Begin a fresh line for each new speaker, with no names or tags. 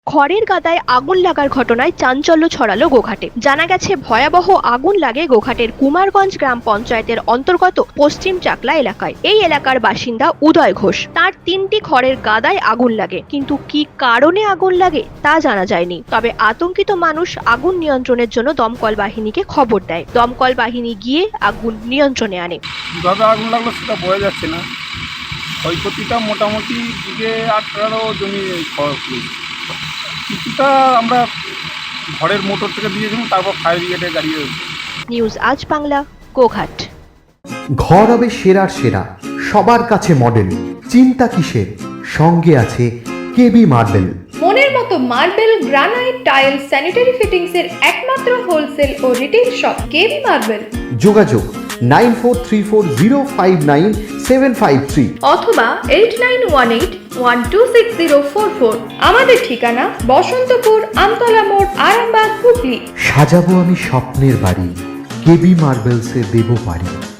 খড়ের গাদায় আগুন লাগার ঘটনায় চাঞ্চল্য ছড়ালো গোঘাটে। জানা গেছে, ভয়াবহ আগুন লাগে গোঘাটের কুমারগঞ্জ গ্রাম পঞ্চায়েতের অন্তর্গত পশ্চিম চাকলা এলাকায়। এই এলাকার বাসিন্দা উদয় ঘোষ, তার 3টি খড়ের গাদায় আগুন লাগে, কিন্তু কি কারণে আগুন লাগে তা জানা যায়নি। তবে আতঙ্কিত মানুষ আগুন নিয়ন্ত্রণের জন্য দমকল বাহিনীকে খবর দেয়। দমকল বাহিনী গিয়ে আগুন নিয়ন্ত্রণে আনে।
কিভাবে আগুন লাগলো সেটা বোঝা যাচ্ছে না। ক্ষয়ক্ষতিটা মোটামুটি দিকে 18 জমি খরচ হয়েছে। কিছুটা আমরা ঘরের মোটর থেকে দিয়েছিলাম, তারপর ফায়ার ব্রিগেডে গাড়ি হয়েছে।
নিউজ আজ বাংলা, গোঘাট।
ঘর হবে সেরার সেরা, সবার কাছে মডেল। চিন্তা কিসের? সঙ্গে আছে কেবি মার্বেল।
মনের মতো marble, granite, tile, sanitary fittings এর একমাত্র হোলসেল ও রিটেল শপ কেবি মার্বেল।
যোগাযোগ 9434059753
অথবা 8918126044। আমাদের ঠিকানা বসন্তপুর, আমতলা মোড়, আরামবাগ, হুগলি।
সাজাবো আমি স্বপ্নের বাড়ি, কেবি মার্বেলসে দেবো বাড়ি।